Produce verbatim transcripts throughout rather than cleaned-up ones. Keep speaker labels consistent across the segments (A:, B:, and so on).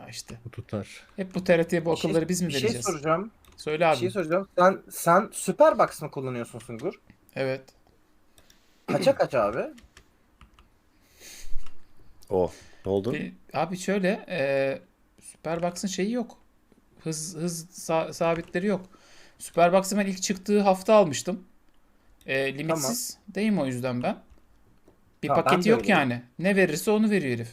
A: Ya işte.
B: Bu tutar.
A: Hep bu T R T'ye bu
C: Bir şey,
A: akılları biz mi
C: bir şey
A: vereceğiz?
C: soracağım.
A: Söyle
C: Bir şey
A: abi.
C: soracağım. Sen sen Superbox mı kullanıyorsun Sungur?
A: Evet.
C: Kaça kaç abi?
D: O. Ne oldu?
A: Bir, abi şöyle e, Superbox'ın şeyi yok. Hız hız sa- sabitleri yok. Superbox'ı ben ilk çıktığı hafta almıştım. E,
C: Tamam.
A: limitsiz. Değil mi o yüzden ben? Bir
C: Tamam, ben
A: paketi
C: de
A: yok
C: öyleyim.
A: yani. Ne verirse onu veriyor herif.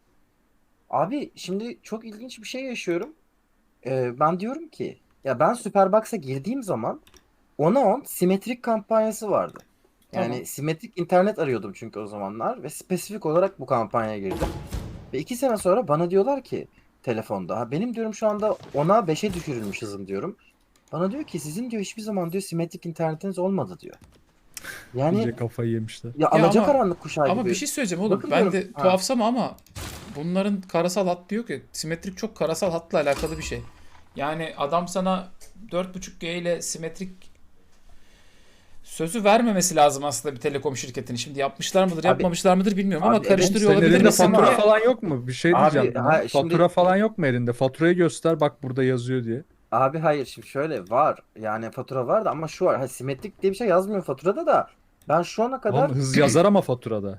C: Abi şimdi çok ilginç bir şey yaşıyorum. Ee, ben diyorum ki ya ben Superbox'a girdiğim zaman ona on simetrik kampanyası vardı.
A: Tamam.
C: Yani simetrik internet arıyordum çünkü o zamanlar ve spesifik olarak bu kampanyaya girdim. Ve iki sene sonra bana diyorlar ki telefonda ha benim diyorum şu anda ona beşe düşürülmüş hızım diyorum. Bana diyor ki sizin diyor hiçbir zaman diyor simetrik internetiniz olmadı diyor. Yani
B: İyice kafayı yemişler.
C: ya
A: Ya ama
C: alacakaranlık kuşağı
A: ama bir
C: gibi.
A: şey söyleyeceğim oğlum.
C: Bakın
A: Ben
C: diyorum
A: de
C: ha,
A: tuhafsam ama bunların karasal hat diyor ki simetrik çok karasal hatla alakalı bir şey. Yani adam sana dört buçuk G ile simetrik sözü vermemesi lazım aslında bir telekom şirketinin. Şimdi yapmışlar mıdır,
C: abi
A: yapmamışlar mıdır bilmiyorum ama
C: abi
A: karıştırıyor
B: Senin
A: olabilir
B: elinde
A: misin
B: fatura
A: diye.
B: falan yok mu? Bir şey
C: abi
B: diyeceğim buna.
C: ha, şimdi
B: Fatura falan yok mu elinde? Faturayı göster bak burada yazıyor diye.
C: abi hayır şimdi şöyle var. Yani fatura var da ama şu var. Ha, simetrik diye bir şey yazmıyor faturada da. Ben şu ana
B: Oğlum
C: kadar
B: hız yazar ama faturada.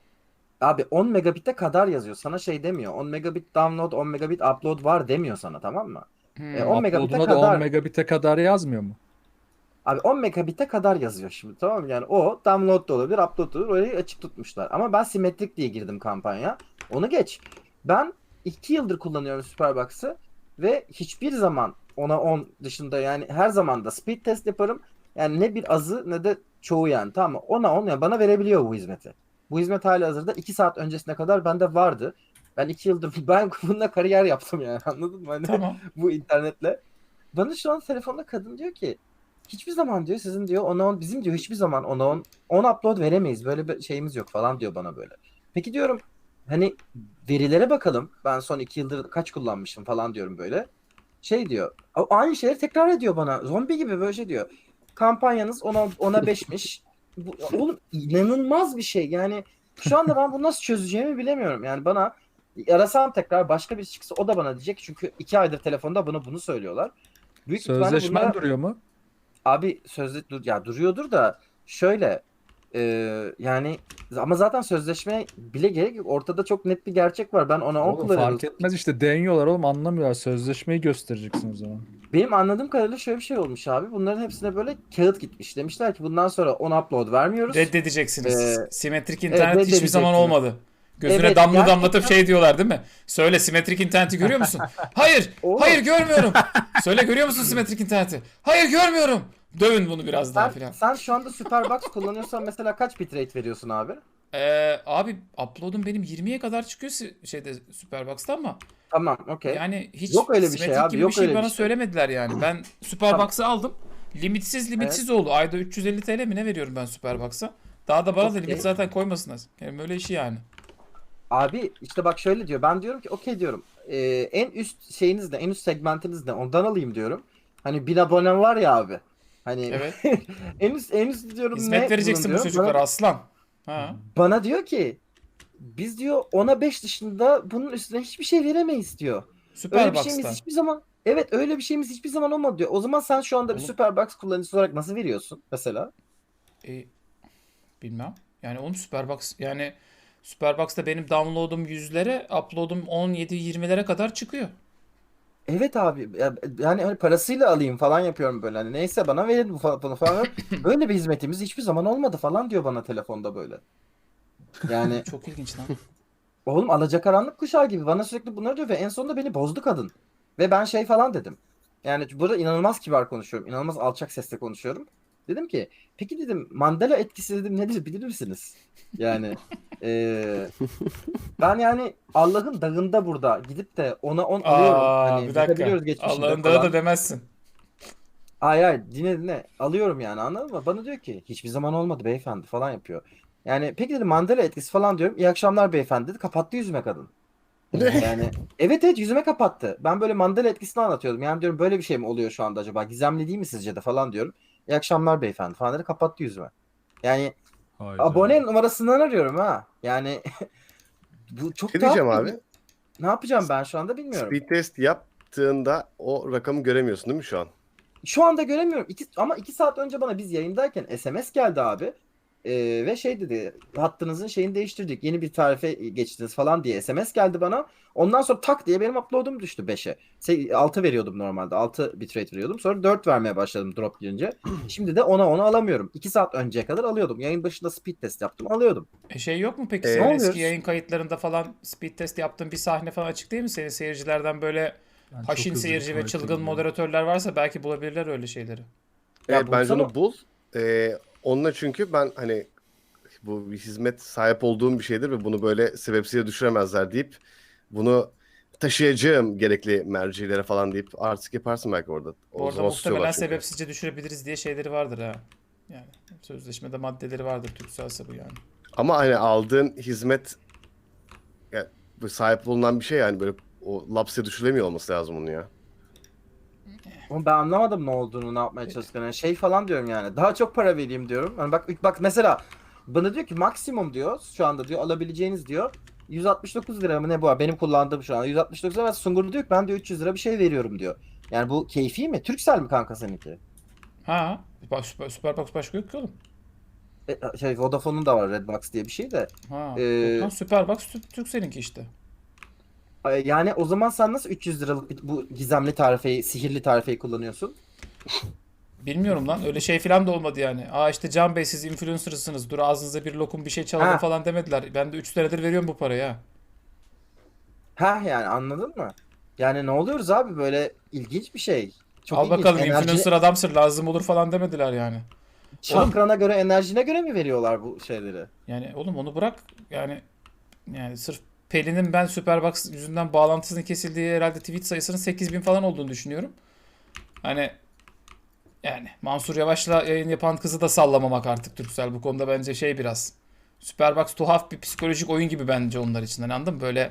C: abi on megabit'e kadar yazıyor. Sana şey demiyor. on megabit download, on megabit upload var demiyor sana, tamam mı? E,
A: Hmm.
C: on megabit'e
B: Upload'una da on
C: kadar
B: megabit'e kadar yazmıyor mu?
C: abi on megabit'e kadar yazıyor şimdi, tamam mı? Yani o download da olabilir, upload da olabilir. Orayı açık tutmuşlar. Ama ben simetrik diye girdim kampanya. Onu geç. Ben iki yıldır kullanıyorum Superbox'ı ve hiçbir zaman ona on dışında yani her zaman da speed test yaparım. Yani ne bir azı ne de çoğu yani, tamam mı? Ona on yani bana verebiliyor bu hizmeti. Bu hizmet halihazırda iki saat öncesine kadar bende vardı. Ben iki yıldır ben bununla kariyer yaptım yani, anladın mı? Hani
A: Tamam.
C: bu internetle. Bana şu an telefonda kadın diyor ki hiçbir zaman diyor sizin diyor ona on bizim diyor hiçbir zaman ona on on upload veremeyiz. Böyle bir şeyimiz yok falan diyor bana böyle. Peki diyorum hani verilere bakalım. Ben son iki yıldır kaç kullanmışım falan diyorum böyle. Şey diyor. a- Aynı şeyleri tekrar ediyor bana. Zombi gibi böyle şey diyor. Kampanyanız ona ona beşmiş. Bu, oğlum inanılmaz bir şey. Yani şu anda ben bunu nasıl çözeceğimi bilemiyorum. Yani bana arasam tekrar başka birisi çıksa o da bana diyecek. Çünkü iki aydır telefonda bana bunu söylüyorlar. Büyük ihtimalle
B: Sözleşmen
C: bunlara
B: duruyor mu?
C: abi sözde dur ya duruyordur da şöyle e, yani ama zaten sözleşme bile gerek yok. Ortada çok net bir gerçek var. Ben ona on
B: Oğlum
C: kullanıyordum.
B: fark etmez işte deniyorlar oğlum anlamıyorlar. Sözleşmeyi göstereceksin o zaman.
C: Benim anladığım kadarıyla şöyle bir şey olmuş abi. Bunların hepsine böyle kağıt gitmiş. Demişler ki bundan sonra on upload vermiyoruz. Ee,
A: Reddedeceksiniz siz. Simetrik
C: evet,
A: internet hiçbir zaman
C: reddedeceksiniz.
A: olmadı. Gözüne
C: Evet
A: damla damlatıp
C: gerçekten
A: şey diyorlar değil mi? Söyle simetrik interneti görüyor musun? Hayır. Hayır
C: oğlum
A: görmüyorum. Söyle görüyor musun simetrik interneti? Hayır görmüyorum. Dövün bunu biraz daha
C: sen,
A: filan.
C: sen şu anda Superbox kullanıyorsan mesela kaç bitrate veriyorsun abi?
A: Ee, abi upload'um benim yirmiye kadar çıkıyor si- şeyde Superbox'ta ama
C: Tamam, okey.
A: yani hiç
C: Yok öyle bir şey
A: simetrik
C: abi,
A: gibi bir
C: yok
A: şey
C: öyle bir
A: bana
C: şey.
A: söylemediler yani. Ben
C: Tamam.
A: Superbox'ı aldım. Limitsiz
C: Evet,
A: limitsiz oldu. Ayda üç yüz elli T L mi ne veriyorum ben Superbox'a? Daha da bana da limit
C: okey.
A: zaten koymasınlar. Yani böyle işi yani.
C: Abi işte bak şöyle diyor. Ben diyorum ki okey diyorum. Ee, en üst şeyiniz ne? En üst segmentiniz ne? Ondan alayım diyorum. Hani bin abonem var ya abi. Hani
A: Evet.
C: en üst en üst diyorum
A: Hizmet
C: ne bunun
A: vereceksin bu
C: diyorum.
A: çocuklara
C: Bana,
A: aslan. Ha.
C: bana diyor ki biz diyor ona beş dışında bunun üstüne hiçbir şey veremeyiz diyor. Öyle bir şeyimiz
A: Superbox'ta.
C: hiçbir zaman evet öyle bir şeyimiz hiçbir zaman olmadı diyor. O zaman sen şu anda bir
A: Oğlum
C: Superbox kullanıcısı olarak nasıl veriyorsun mesela?
A: e, bilmem. Yani oğlum Superbox yani Superbox'ta benim download'um yüzlere, upload'um on yedi yirmilere kadar çıkıyor.
C: Evet abi ya- yani hani parasıyla alayım falan yapıyorum böyle hani neyse bana verin bu fa- bunu falan. Böyle bir hizmetimiz hiçbir zaman olmadı falan diyor bana telefonda böyle. Yani
A: Çok ilginç lan.
C: oğlum alacakaranlık kuşağı gibi bana sürekli bunları diyor ve en sonunda beni bozdu kadın. Ve ben şey falan dedim. Yani burada inanılmaz kibar konuşuyorum. İnanılmaz alçak sesle konuşuyorum. Dedim ki peki dedim Mandela etkisi dedim nedir bilir misiniz? Yani eee, ben yani Allah'ın dağında burada gidip de ona on alıyorum.
A: Aa bir
C: Hani
A: dakika.
C: bakabiliyoruz geçmişinde
A: Allah'ın dağı da
C: falan.
A: demezsin.
C: Hayır hayır dinle dinle alıyorum yani, anladın mı? Bana diyor ki hiçbir zaman olmadı beyefendi falan yapıyor. Yani peki dedim Mandela etkisi falan diyorum. İyi akşamlar beyefendi dedi. Kapattı yüzüme kadın. Yani evet evet yüzüme kapattı. Ben böyle Mandela etkisini anlatıyordum. Yani diyorum böyle bir şey mi oluyor şu anda acaba? Gizemli değil mi sizce de falan diyorum. İyi akşamlar beyefendi falan dedi. Kapattı yüzüme. Yani
B: Hayda.
C: abone numarasından arıyorum ha. Yani bu çok
D: Ne diyeceğim
C: tuhaf
D: abi?
C: bir... Ne yapacağım ben şu anda bilmiyorum.
D: Speed test yaptığında o rakamı göremiyorsun değil mi şu an?
C: Şu anda göremiyorum. İki, ama iki saat önce bana biz yayındayken S M S geldi abi. Ee, ve şey dedi, hattınızın şeyini değiştirdik, yeni bir tarife geçtiniz falan diye S M S geldi bana. Ondan sonra tak diye benim upload'um düştü beşe. Se- altı veriyordum normalde, altı bitrate veriyordum, sonra dört vermeye başladım drop girince. Şimdi de ona onu alamıyorum. iki saat önceye kadar alıyordum, yayın başında speed test yaptım, alıyordum.
A: E şey yok mu peki
D: Ee,
A: senin
C: ne
A: eski
C: oluyoruz?
A: yayın kayıtlarında falan speed test yaptığın bir sahne falan açık değil mi? Senin seyircilerden böyle
B: Ben çok
A: haşin
B: hızlı
A: seyirci ve
B: tuvalete
A: çılgın
B: gidiyorum.
A: moderatörler varsa belki bulabilirler öyle şeyleri.
C: Ya
D: Evet, bence
C: bulsana.
D: onu bul. Ee, onunla çünkü ben hani bu bir hizmet sahip olduğum bir şeydir ve bunu böyle sebepsiz düşüremezler deyip bunu taşıyacağım gerekli mercilere falan deyip artık yaparsın belki orada.
A: Bu
D: O
A: arada
D: zaman
A: muhtemelen
D: susuyorlar çünkü.
A: sebepsizce düşürebiliriz diye şeyleri vardır ha. Yani sözleşmede maddeleri vardır Turkcell'se bu yani.
D: Ama hani aldığın hizmet yani bu sahip bulunan bir şey yani böyle o lapse düşürülemiyor olması lazım onun ya.
C: Ama ben anlamadım ne olduğunu, ne yapmaya çalıştıklarını. Yani şey falan diyorum yani. Daha çok para vereyim diyorum. Hani bak bak mesela bana diyor ki maksimum diyor şu anda diyor alabileceğiniz diyor yüz altmış dokuz lira mı ne bu? Benim kullandığım şu anda yüz altmış dokuz lira. Ve Sungur diyor ki ben diyor üç yüz lira bir şey veriyorum diyor. Yani bu keyfi mi? Turkcell mi kanka seninki?
A: Ha, bak Süper, Superbox başka yok ki oğlum.
C: E, şey Vodafone'un da var Redbox diye bir şey de.
A: Ha,
C: Ee,
A: yok lan Superbox Tü- Turkcell'inki işte.
C: Yani o zaman sen nasıl üç yüz liralık bir- bu gizemli tarifeyi, sihirli tarifeyi kullanıyorsun?
A: Bilmiyorum lan öyle şey falan da olmadı yani. Aa işte Can Bey siz influencer'sınız. Dur ağzınıza bir lokum bir şey çalalım
C: Ha.
A: falan demediler. Ben de üç senedir veriyorum bu parayı ha.
C: Ha yani anladın mı? Yani ne oluyoruz abi, böyle ilginç bir şey. Çok
A: Al
C: ilginç.
A: bakalım
C: Enerji,
A: influencer adamsın lazım olur falan demediler yani. Oğlum
C: çakrana göre, enerjine göre mi veriyorlar bu şeyleri?
A: yani oğlum onu bırak yani yani sırf Pelin'in ben Superbox yüzünden bağlantısının kesildiği herhalde tweet sayısının sekiz bin falan olduğunu düşünüyorum. Hani yani Mansur Yavaş'la yayın yapan kızı da sallamamak artık Turkcell bu konuda bence şey biraz. Superbox tuhaf bir psikolojik oyun gibi bence onlar için. Hani anladın mı? Böyle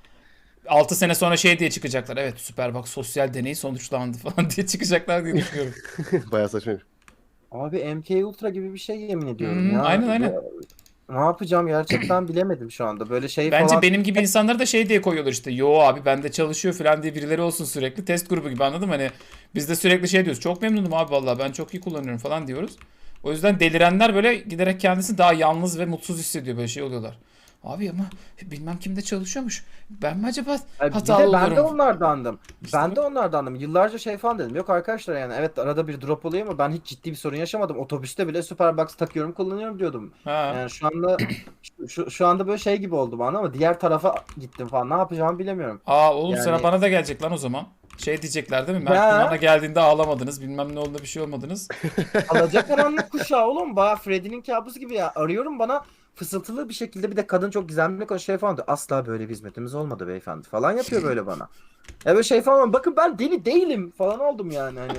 A: altı sene sonra şey diye çıkacaklar. Evet Superbox sosyal deney sonuçlandı falan diye çıkacaklar diye düşünüyorum.
D: Bayağı saçmaymış.
C: Abi M K Ultra gibi bir şey yemin ediyorum
A: Hmm,
C: ya.
A: aynen aynen.
C: Ve ne yapacağım gerçekten bilemedim şu anda. Böyle şey
A: Bence
C: falan.
A: benim gibi insanları da şey diye koyuyorlar işte. Yo abi bende çalışıyor falan diye birileri olsun sürekli. Test grubu gibi anladın mı? Hani biz de sürekli şey diyoruz. Çok memnunum abi vallahi ben çok iyi kullanıyorum falan diyoruz. O yüzden delirenler böyle giderek kendisi daha yalnız ve mutsuz hissediyor böyle şey oluyorlar. Abi ama bilmem kimde çalışıyormuş. Ben mi acaba
C: Ay, bir
A: hatalı
C: de ben de
A: oluyorum?
C: onlardandım.
A: İşte
C: Ben
A: bak.
C: de onlardandım. Yıllarca şey falan dedim. Yok arkadaşlar yani evet arada bir drop oluyor ama ben hiç ciddi bir sorun yaşamadım. Otobüste bile Superbox takıyorum, kullanıyorum diyordum.
A: Ha.
C: Yani şu anda şu, şu, şu anda böyle şey gibi oldu bana ama diğer tarafa gittim falan. Ne yapacağımı bilemiyorum.
A: Aa oğlum sıra
C: Yani
A: bana da gelecek lan o zaman. Şey diyecekler değil mi? Mert Günhan'a
C: ya
A: geldiğinde ağlamadınız. Bilmem ne oldu bir şey olmadınız.
C: alacakaranlık kuşağı oğlum. Baya Freddy'nin kabusu gibi ya. Arıyorum, bana fısıltılı bir şekilde, bir de kadın çok gizemli konuşuyor şey falan diyor. Asla böyle bir hizmetimiz olmadı beyefendi falan yapıyor böyle bana. Ya böyle şey falan, bakın ben deli değilim falan oldum yani hani.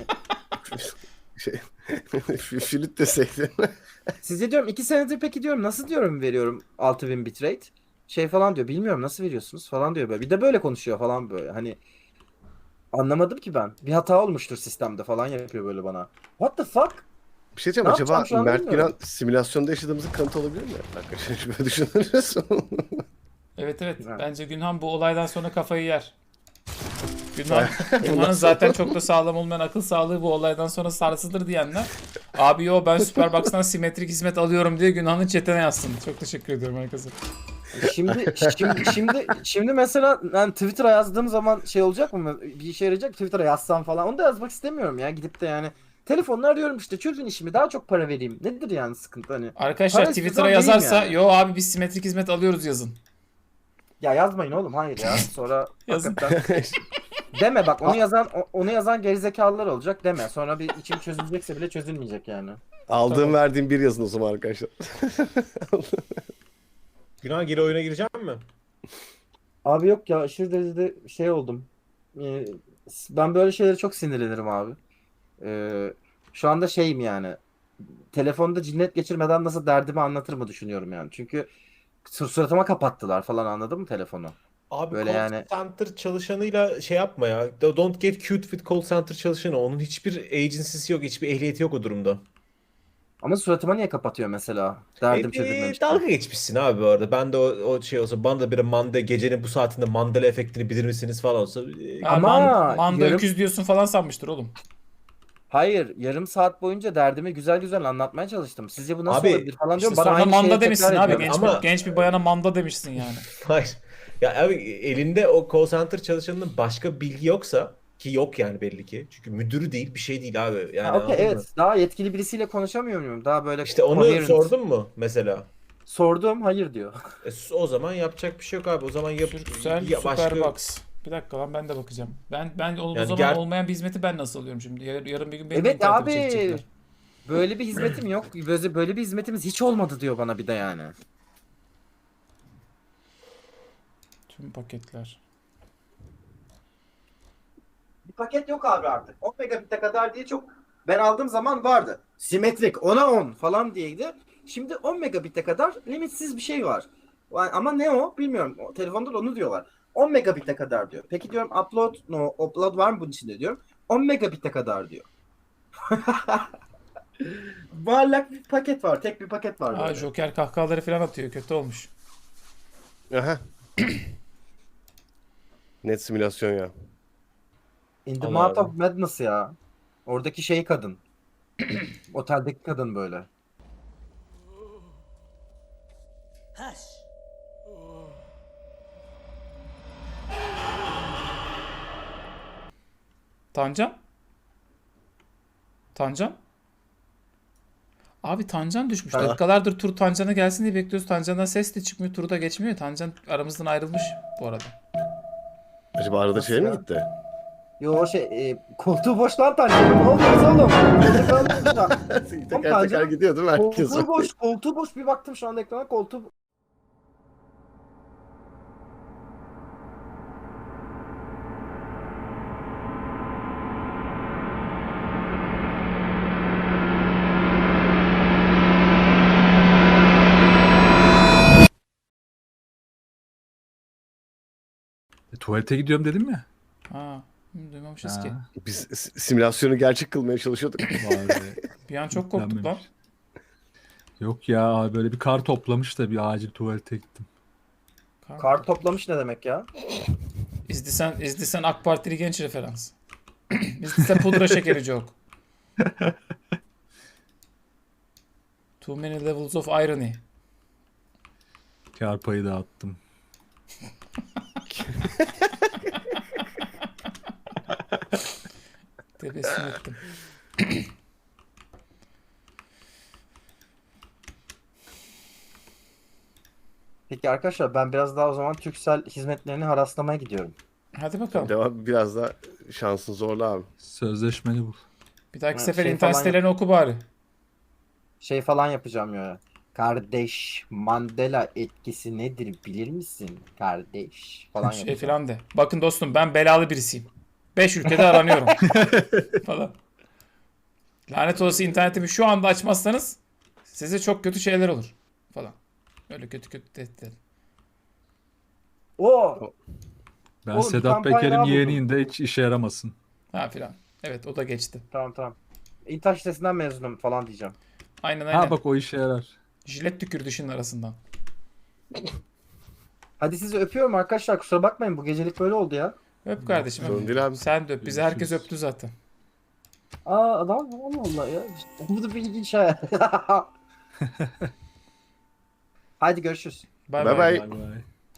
D: Şey, flüt deseydin.
C: Size diyorum iki senedir peki diyorum nasıl diyorum veriyorum altı bin bitrate. Şey falan diyor, bilmiyorum nasıl veriyorsunuz falan diyor böyle. Bir de böyle konuşuyor falan böyle. Hani anlamadım ki ben. Bir hata olmuştur sistemde falan yapıyor böyle bana. What the fuck?
D: Bir şey diyeceğim,
C: Ne
D: acaba
C: yapacağım şu an
D: Mert
C: bilmiyorum.
D: Günan simülasyonda yaşadığımızın kanıtı olabilir mi? Arkadaşlar şöyle düşünürüz.
A: Evet evet.
C: Evet.
A: Bence Günhan bu olaydan sonra kafayı yer. Günhan,
D: Ondan
A: Günhan'ın zaten çok da sağlam olmayan akıl sağlığı bu olaydan sonra sarsılır diyenler. Abi yo ben Superbox'tan simetrik hizmet alıyorum diye Günhan'ın chatine yazsın. Çok teşekkür ediyorum herkese.
C: Şimdi şimdi şimdi şimdi mesela ben Twitter'a yazdığım zaman şey olacak mı? Bir işe yarayacak, Twitter'a yazsam falan. Onu da yazmak istemiyorum ya. Gidip de yani telefonla arıyorum işte, çözün işimi, daha çok para vereyim. Nedir yani sıkıntı hani?
A: Arkadaşlar
C: Para
A: Twitter'a
C: istiyorsam vereyim
A: yazarsa
C: yani.
A: yo abi biz simetrik hizmet alıyoruz yazın.
C: Ya yazmayın oğlum, hayır ya. Sonra
A: Yazın.
C: hakikaten deme bak, onu yazan o- onu yazan gerizekalılar olacak deme. Sonra bir içim çözülecekse bile çözülmeyecek yani.
D: Aldığım
A: Tamam.
D: verdiğim bir yazın o zaman arkadaşlar.
E: Günah geri oyuna gireceğim mi?
C: Abi yok ya, aşırı derecede şey oldum. Ee, ben böyle şeylere çok sinirlenirim abi. Ee, Şu anda şeyim yani. Telefonda cinnet geçirmeden nasıl derdimi anlatır düşünüyorum yani. Çünkü sur- suratıma kapattılar falan, anladın mı telefonu?
E: Abi
C: Böyle
E: call
C: yani.
E: center çalışanıyla şey yapma ya. Don't get cute with call center çalışanı. Onun hiçbir agency'si yok, hiçbir ehliyeti yok o durumda.
C: Ama suratıma niye kapatıyor mesela? Derdim
E: E,
C: çözülmemiş.
E: dalga geçmişsin abi bu arada. Ben de o, o şey olsa bana da bir manda gecenin bu saatinde Mandela efektini bilir misiniz falan olsa. e,
A: Ha,
C: Ama
A: man- manda
C: yarım-
A: öküz diyorsun falan sanmıştır oğlum.
C: Hayır, yarım saat boyunca derdimi güzel güzel anlatmaya çalıştım. Sizce bu nasıl
E: Abi,
C: olabilir falan
A: İşte
C: diyorum. Bana
A: sonra
C: aynı
A: manda
C: şeyi
A: demişsin
C: tekrar
A: abi.
C: ediyor.
A: Genç,
E: Ama-
A: bir, genç bir bayana manda demişsin yani.
E: Hayır. Ya abi elinde o call center çalışanının başka bilgi yoksa ki yok yani belli ki. Çünkü müdürü değil bir şey değil abi. Yani
C: Ha, okey,
E: anladın mı?
C: evet. Daha yetkili birisiyle konuşamıyor muyum? Daha böyle
E: İşte onu
C: coherent.
E: sordun mu mesela?
C: Sordum, hayır diyor.
E: E, s- o zaman yapacak bir şey yok abi. O zaman yap
A: Türksel
E: ya başka
A: Superbox. Bir dakika lan ben de bakacağım. Ben ben o, o
E: Yani
A: zaman
E: ger-
A: olmayan bir hizmeti ben nasıl alıyorum şimdi? Yar- yarın bir gün benim
C: Evet
A: internetimi
C: abi.
A: çekecekler.
C: Böyle bir hizmetim yok. Böyle, böyle bir hizmetimiz hiç olmadı diyor bana bir de yani.
A: Tüm paketler.
C: Bir paket yok abi artık. on megabit'e kadar diye çok ben aldığım zaman vardı. Simetrik ona on falan diyeydi. Şimdi on megabit'e kadar limitsiz bir şey var. Yani ama ne o bilmiyorum. O, telefonda da onu diyorlar. on megabit'e kadar diyor. Peki diyorum upload no upload var mı bunun içinde diyorum. on megabit'e kadar diyor. Muallak bir paket var. Tek bir paket var
A: Aa,
C: böyle.
A: Joker kahkahaları falan atıyor. Kötü olmuş.
D: Aha. Net simülasyon ya.
C: In the
E: Allah
C: Mouth
E: Allah.
C: of Madness ya. Oradaki şey kadın. Oteldeki kadın böyle.
A: Tancan? Tancan? Abi Tancan düşmüş.
C: Ha.
A: Dakikalardır tur Tancan'a gelsin diye bekliyoruz. Tancan'dan ses de çıkmıyor. Turu da geçmiyor. Tancan aramızdan ayrılmış bu arada.
D: Acaba arada
C: Nasıl
D: şey mi
C: ya?
D: gitti?
C: Yo şey e, koltuğu boş lan Tanrı'nın. Ne oluyoruz oğlum? Koltuğu kalmış burada.
D: teker teker
C: Tancan'ın
D: gidiyor değil mi herkes?
C: Koltuğu boş, koltuğu boş. Bir baktım şu anda ekrana koltuğu.
B: E, tuvalete gidiyorum dedim ya.
A: Ha, hı, duymamışız ki.
B: Ha,
D: Biz s- simülasyonu gerçek kılmaya çalışıyorduk.
B: vallahi
A: Bir an çok korktuk lan.
B: yüklenmemiş. Yok ya böyle bir kar toplamış da bir acil tuvalete gittim.
C: Kar toplamış ne demek ya?
A: İzdisen, İzdisen AK Partili genç referans. İzdisen pudra şekeri joke. Too many levels of irony.
B: Kar payı dağıttım.
A: Tebessüm ettim.
C: Peki arkadaşlar ben biraz daha o zaman Turkcell hizmetlerini haraslamaya gidiyorum.
A: Hadi bakalım.
D: Devam biraz da şansın zorla abi.
B: Sözleşmeni bul.
A: Bir dahaki
C: Ha,
A: sefer
C: şey
A: internet
C: falan
A: sitelerini oku bari.
C: Şey falan yapacağım ya. Kardeş Mandela etkisi nedir bilir misin? Kardeş falan
A: Şey
C: yapacağım.
A: falan de. Bakın dostum ben belalı birisiyim. Beş ülkede aranıyorum. falan. Lanet olası internetimi şu anda açmazsanız size çok kötü şeyler olur. Falan. Öyle kötü kötü tehditler.
C: Oo!
B: Ben
C: Oğlum, bir
B: Sedat
C: kampanya
B: Peker'in
C: daha buldum.
B: yeğeniyim de hiç işe yaramasın.
A: Ha filan. Evet o da geçti.
C: Tamam tamam. İntaş sitesinden mezunum falan diyeceğim.
A: Aynen aynen.
B: Ha bak o işe yarar.
A: Jilet tükürdü şunun arasından.
C: Hadi sizi öpüyorum arkadaşlar. Kusura bakmayın bu gecelik böyle oldu ya.
A: Öp kardeşim.
D: Sorun
A: Öp.
D: değil abi.
A: Sen de öp. Bizi herkes
B: Görüşürüz.
A: öptü zaten.
C: Aa adam Allah Allah ya. Bu da bir ilginç hayal. Hadi görüşürüz.
A: Bay
D: Bay
A: bay.
D: bay.
B: Bay bay.